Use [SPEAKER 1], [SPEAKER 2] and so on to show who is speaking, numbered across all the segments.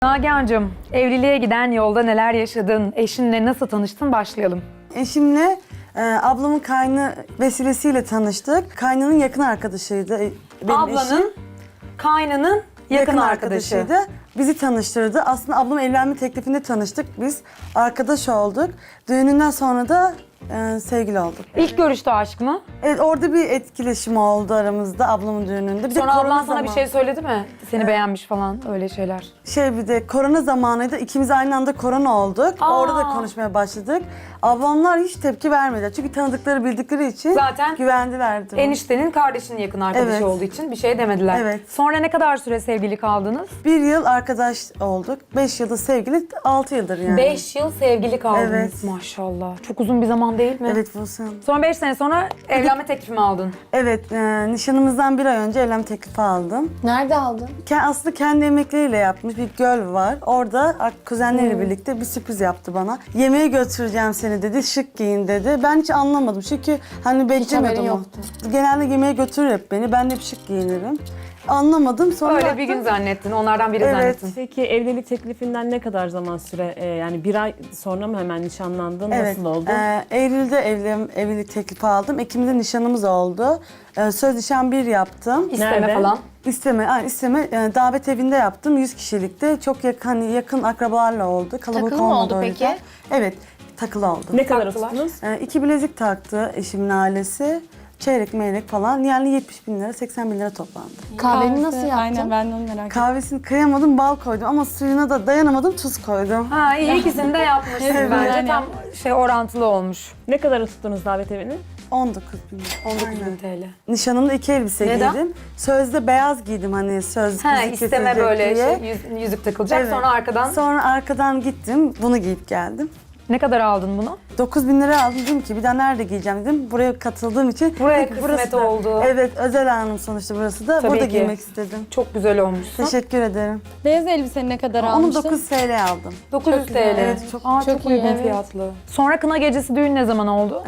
[SPEAKER 1] Nagihan'cığım, evliliğe giden yolda neler yaşadın? Eşinle nasıl tanıştın? Başlayalım.
[SPEAKER 2] Eşimle ablamın kaynı vesilesiyle tanıştık. Kaynının yakın arkadaşıydı. Benim
[SPEAKER 1] Ablanın,
[SPEAKER 2] eşim
[SPEAKER 1] kaynının yakın arkadaşı.
[SPEAKER 2] Bizi tanıştırdı. Aslında ablam evlenme teklifinde tanıştık biz. Arkadaş olduk. Düğününden sonra da sevgili olduk.
[SPEAKER 1] İlk görüşte aşk mı?
[SPEAKER 2] Evet, orada bir etkileşim oldu aramızda ablamın düğününde. Bir
[SPEAKER 1] Sonra
[SPEAKER 2] de korona
[SPEAKER 1] ablan sana bir şey söyledi mi? Seni beğenmiş falan öyle şeyler.
[SPEAKER 2] Bir de korona zamanıydı. İkimiz aynı anda korona olduk. Orada da konuşmaya başladık. Ablamlar hiç tepki vermediler. Çünkü tanıdıkları, bildikleri için
[SPEAKER 1] Zaten
[SPEAKER 2] güvendilerdi.
[SPEAKER 1] eniştenin kardeşinin yakın arkadaşı
[SPEAKER 2] Evet.
[SPEAKER 1] olduğu için bir şey demediler.
[SPEAKER 2] Evet.
[SPEAKER 1] Sonra ne kadar süre sevgili kaldınız?
[SPEAKER 2] 1 yıl arkadaş olduk. 5 yılda sevgili, 6 yıldır yani.
[SPEAKER 1] 5 yıl sevgili kaldınız
[SPEAKER 2] Evet.
[SPEAKER 1] maşallah. Çok uzun bir zaman değil mi?
[SPEAKER 2] Evet Buse Hanım.
[SPEAKER 1] Sonra 5 sene sonra evlenme teklifi mi aldın?
[SPEAKER 2] Evet, nişanımızdan 1 ay önce evlenme teklifi aldım.
[SPEAKER 3] Nerede aldın?
[SPEAKER 2] Aslında kendi emekleriyle yapmış bir göl var. Orada kuzenleriyle birlikte bir sürpriz yaptı bana. Yemeğe götüreceğim seni dedi, şık giyin dedi. Ben hiç anlamadım çünkü hani beklemiyordum.
[SPEAKER 3] haberin
[SPEAKER 2] o.
[SPEAKER 3] yoktu.
[SPEAKER 2] Genelde yemeğe götürür hep beni, ben de hep şık giyinirim. Anlamadım, sonra
[SPEAKER 1] Öyle
[SPEAKER 2] baktım,
[SPEAKER 1] bir gün zannettin, onlardan biri
[SPEAKER 2] Evet.
[SPEAKER 1] zannettin.
[SPEAKER 4] Peki evlilik teklifinden ne kadar zaman süre, yani 1 ay sonra mı hemen nişanlandın?
[SPEAKER 2] Evet,
[SPEAKER 4] Nasıl oldu?
[SPEAKER 2] Eylül'de evlilik teklifi aldım. Ekim'de nişanımız oldu. Söz nişan 1 yaptım.
[SPEAKER 1] İsteme
[SPEAKER 4] Nerede?
[SPEAKER 1] falan.
[SPEAKER 2] İsteme davet evinde yaptım 100 kişilikte. Çok yakın akrabalarla oldu. Kalabalık
[SPEAKER 3] Takılı mı
[SPEAKER 2] olmadı
[SPEAKER 3] oldu
[SPEAKER 2] o
[SPEAKER 3] peki?
[SPEAKER 2] yüzden. Evet, takılı oldu.
[SPEAKER 4] Ne kadar
[SPEAKER 1] taktılar?
[SPEAKER 4] tuttunuz?
[SPEAKER 2] 2 bilezik taktı eşimin ailesi. Çeyrek meyrek falan. Yani 70 bin lira, 80 bin lira toplandı.
[SPEAKER 3] Kahveni nasıl yaptın?
[SPEAKER 5] Aynen ben de onu merak ettim.
[SPEAKER 2] Kahvesini kıyamadım, bal koydum ama suyuna da dayanamadım, tuz koydum.
[SPEAKER 1] Ha iyi ikisini de yapmışsın
[SPEAKER 2] Evet,
[SPEAKER 1] bence.
[SPEAKER 5] yani.
[SPEAKER 1] Tam orantılı olmuş.
[SPEAKER 4] Ne kadar tuttunuz davet evini?
[SPEAKER 2] 19 bin lira.
[SPEAKER 1] 19.000 TL.
[SPEAKER 2] Nişanımda 2 elbise
[SPEAKER 1] Neden?
[SPEAKER 2] giydim. Sözde beyaz giydim hani söz
[SPEAKER 1] Ha
[SPEAKER 2] yüzük
[SPEAKER 1] isteme
[SPEAKER 2] kesilecek
[SPEAKER 1] böyle
[SPEAKER 2] diye.
[SPEAKER 1] yüzük takılacak
[SPEAKER 2] Evet.
[SPEAKER 1] sonra arkadan.
[SPEAKER 2] Sonra arkadan gittim, bunu giyip geldim.
[SPEAKER 1] Ne kadar aldın bunu?
[SPEAKER 2] 9 bin lira aldım, dedim ki bir daha nerede giyeceğim dedim. Buraya katıldığım için.
[SPEAKER 1] Buraya
[SPEAKER 2] dedim ki,
[SPEAKER 1] kısmet
[SPEAKER 2] burası da-
[SPEAKER 1] oldu.
[SPEAKER 2] Evet, özel anım sonuçta burası da.
[SPEAKER 1] Tabii
[SPEAKER 2] Burada
[SPEAKER 1] ki.
[SPEAKER 2] giymek istedim.
[SPEAKER 1] Çok güzel olmuşsun.
[SPEAKER 2] Teşekkür ederim.
[SPEAKER 5] Beyaz elbiseni ne kadar
[SPEAKER 2] Onu
[SPEAKER 5] almıştın?
[SPEAKER 2] 9 TL aldım.
[SPEAKER 1] 900 TL.
[SPEAKER 2] Evet, çok
[SPEAKER 1] Çok
[SPEAKER 5] iyi,
[SPEAKER 1] uygun
[SPEAKER 5] evet.
[SPEAKER 1] fiyatlı. Sonra kına gecesi düğün ne zaman oldu?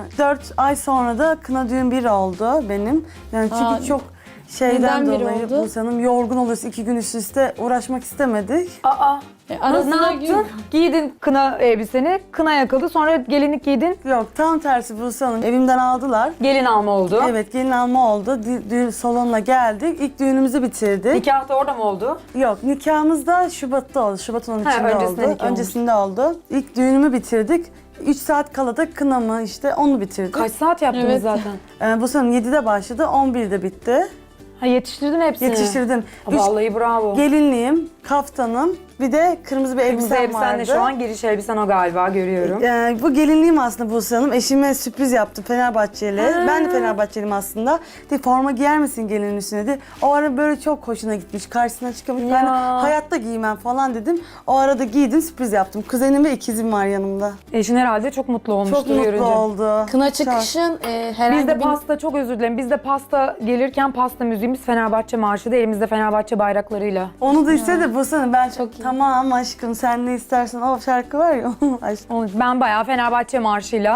[SPEAKER 2] 4 ay sonra da kına düğün 1 oldu benim. Yani çünkü
[SPEAKER 5] Aa,
[SPEAKER 2] çok şeyden
[SPEAKER 5] neden bir
[SPEAKER 2] dolayı
[SPEAKER 5] oldu?
[SPEAKER 2] Buse Hanım yorgun oluyoruz 2 gün üst üste uğraşmak istemedik.
[SPEAKER 1] Aa. Ne
[SPEAKER 5] Arasına
[SPEAKER 1] yaptın? Giydin kına elbiseni, kına yakıldı. Sonra gelinlik giydin,
[SPEAKER 2] Yok, tam tersi Buse Hanım. Evimden aldılar.
[SPEAKER 1] gelin alma oldu.
[SPEAKER 2] Evet, gelin alma oldu. Düğün salonuna geldik. İlk düğünümüzü bitirdik.
[SPEAKER 1] Nikah da orada mı oldu?
[SPEAKER 2] Yok, nikahımız da Şubat'ta oldu. Şubat'ın 13'ünde
[SPEAKER 1] öncesinde
[SPEAKER 2] oldu.
[SPEAKER 1] nikah
[SPEAKER 2] Öncesinde oldu. İlk düğünümü bitirdik. 3 saat kala da kınamı işte onu bitirdik.
[SPEAKER 1] Kaç saat yaptınız
[SPEAKER 5] Evet.
[SPEAKER 1] zaten?
[SPEAKER 2] Bu sene 7'de başladı, 11'de bitti.
[SPEAKER 1] Ha yetiştirdin hepsini.
[SPEAKER 2] Yetiştirdim.
[SPEAKER 1] Ha, vallahi bravo.
[SPEAKER 2] Gelinliğim, kaftanım, bir de kırmızı bir
[SPEAKER 1] Kırmızı
[SPEAKER 2] elbisem
[SPEAKER 1] elbisen de
[SPEAKER 2] vardı.
[SPEAKER 1] şu an giriş elbisen o galiba görüyorum.
[SPEAKER 2] Bu gelinliğim aslında Buse Hanım. Eşime sürpriz yaptım Fenerbahçeli. Ben de Fenerbahçeliyim aslında. De forma giyer misin gelinin üstüne dedi. O ara böyle çok hoşuna gitmiş. Karşısına çıkamış. Ben de hayatta giymem falan dedim. O arada giydim, sürpriz yaptım. Kuzenim ve ikizim var yanımda.
[SPEAKER 1] Eşin herhalde çok mutlu olmuştur
[SPEAKER 2] Çok mutlu
[SPEAKER 1] görünce.
[SPEAKER 2] oldu.
[SPEAKER 3] Kına çıkışın herhangi
[SPEAKER 1] Bizde
[SPEAKER 3] bir...
[SPEAKER 1] pasta, çok özür dilerim. Bizde pasta gelirken pasta müziğimiz Fenerbahçe marşıydı. Elimizde Fenerbahçe bayraklarıyla.
[SPEAKER 2] Onu da istedi Buse Hanım. Ben
[SPEAKER 3] Çok iyi.
[SPEAKER 2] tamam aşkım sen ne istersen o şarkı var ya. Aşkım.
[SPEAKER 1] Ben bayağı Fenerbahçe marşıyla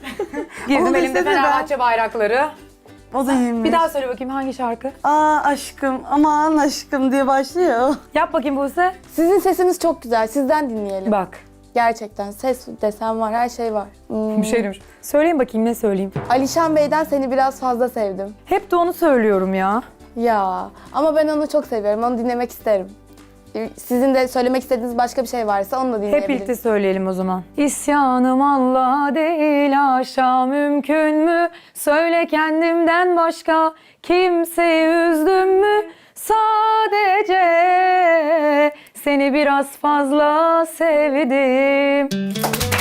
[SPEAKER 1] girdim
[SPEAKER 2] Onu da
[SPEAKER 1] elimde
[SPEAKER 2] istedi,
[SPEAKER 1] Fenerbahçe bayrakları.
[SPEAKER 2] O da iyiymiş.
[SPEAKER 1] Bir daha söyle bakayım hangi şarkı?
[SPEAKER 2] Aa aşkım, aman aşkım diye başlıyor.
[SPEAKER 1] Yap bakayım Buse.
[SPEAKER 3] Sizin sesiniz çok güzel. Sizden dinleyelim.
[SPEAKER 1] Bak.
[SPEAKER 3] Gerçekten ses desem var, her şey var.
[SPEAKER 1] Bir şey demiş. Söyleyin bakayım ne söyleyeyim.
[SPEAKER 3] Alişan Bey'den seni biraz fazla sevdim.
[SPEAKER 1] Hep de onu söylüyorum ya.
[SPEAKER 3] Ya ama ben onu çok seviyorum. Onu dinlemek isterim. Sizin de söylemek istediğiniz başka bir şey varsa onu da
[SPEAKER 1] Hep
[SPEAKER 3] dinleyebiliriz.
[SPEAKER 1] birlikte söyleyelim o zaman. İsyanım Allah değil aşağı mümkün mü? Söyle kendimden başka kimseyi üzdüm mü? Sadece seni biraz fazla sevdim.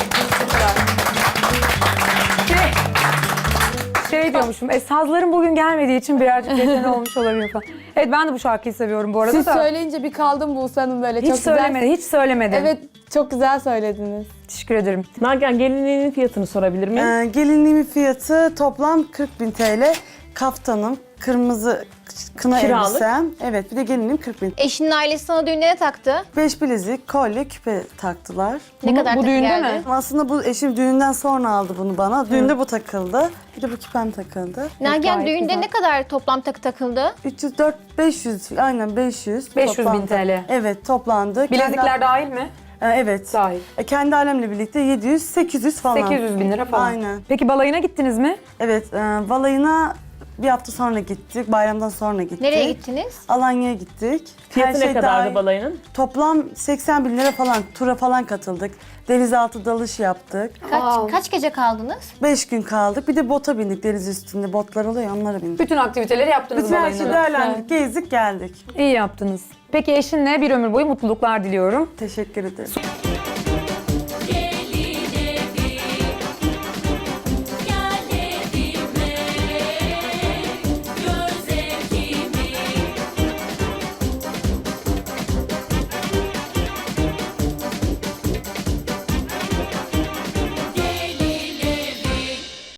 [SPEAKER 1] Şey diyormuşum, sazların bugün gelmediği için birazcık geçen olmuş olabilir falan. Evet ben de bu şarkıyı seviyorum bu arada
[SPEAKER 3] Siz
[SPEAKER 1] da.
[SPEAKER 3] söyleyince bir kaldım Buse Hanım böyle.
[SPEAKER 1] Hiç
[SPEAKER 3] çok
[SPEAKER 1] söylemedim,
[SPEAKER 3] güzel.
[SPEAKER 1] hiç söylemedim.
[SPEAKER 3] Evet, çok güzel söylediniz.
[SPEAKER 1] Teşekkür ederim.
[SPEAKER 4] Nagihan gelinliğinin fiyatını sorabilir miyim?
[SPEAKER 2] Gelinliğimin fiyatı toplam 40.000 TL. Kaftanım, kırmızı kına
[SPEAKER 4] Kiralık.
[SPEAKER 2] elbisem. Evet, bir de gelinim 40 bin.
[SPEAKER 6] Eşinin ailesi sana düğünde ne taktı?
[SPEAKER 2] 5 bilezik, kolye, küpe taktılar.
[SPEAKER 6] Ne kadar
[SPEAKER 1] bu
[SPEAKER 6] takı
[SPEAKER 1] düğünde
[SPEAKER 6] geldi?
[SPEAKER 1] mi?
[SPEAKER 2] Aslında bu eşim düğünden sonra aldı bunu bana. Düğünde bu takıldı. Bir de bu küpem takıldı.
[SPEAKER 6] Nagihan
[SPEAKER 1] gayet
[SPEAKER 6] düğünde
[SPEAKER 1] güzel.
[SPEAKER 6] ne kadar toplam takı takıldı?
[SPEAKER 2] 300, 4, 500, aynen 500.
[SPEAKER 1] 500 bin
[SPEAKER 2] toplandı.
[SPEAKER 1] TL.
[SPEAKER 2] Evet, toplandı.
[SPEAKER 1] Bilezikler dahil mi?
[SPEAKER 2] Evet.
[SPEAKER 1] Dahil.
[SPEAKER 2] Kendi alemle birlikte 700, 800 falan.
[SPEAKER 1] 800 bin lira falan.
[SPEAKER 2] Aynen.
[SPEAKER 1] Peki balayına gittiniz mi?
[SPEAKER 2] Evet, balayına bir hafta sonra gittik. Bayramdan sonra gittik.
[SPEAKER 6] Nereye gittiniz?
[SPEAKER 2] Alanya'ya gittik.
[SPEAKER 4] Fiyatı ne kadardı
[SPEAKER 2] dahil.
[SPEAKER 4] balayının?
[SPEAKER 2] Toplam 80 bin lira falan. Tura falan katıldık. Denizaltı dalış yaptık.
[SPEAKER 6] Kaç gece kaldınız?
[SPEAKER 2] 5 gün kaldık. Bir de bota bindik deniz üstünde. Botlar oluyor ya, onlara bindik.
[SPEAKER 1] Bütün aktiviteleri yaptınız
[SPEAKER 2] Bütün her şeyi
[SPEAKER 1] balayına.
[SPEAKER 2] değerlendirdik. Gezdik geldik.
[SPEAKER 1] İyi yaptınız. Peki eşinle bir ömür boyu mutluluklar diliyorum.
[SPEAKER 2] Teşekkür ederim.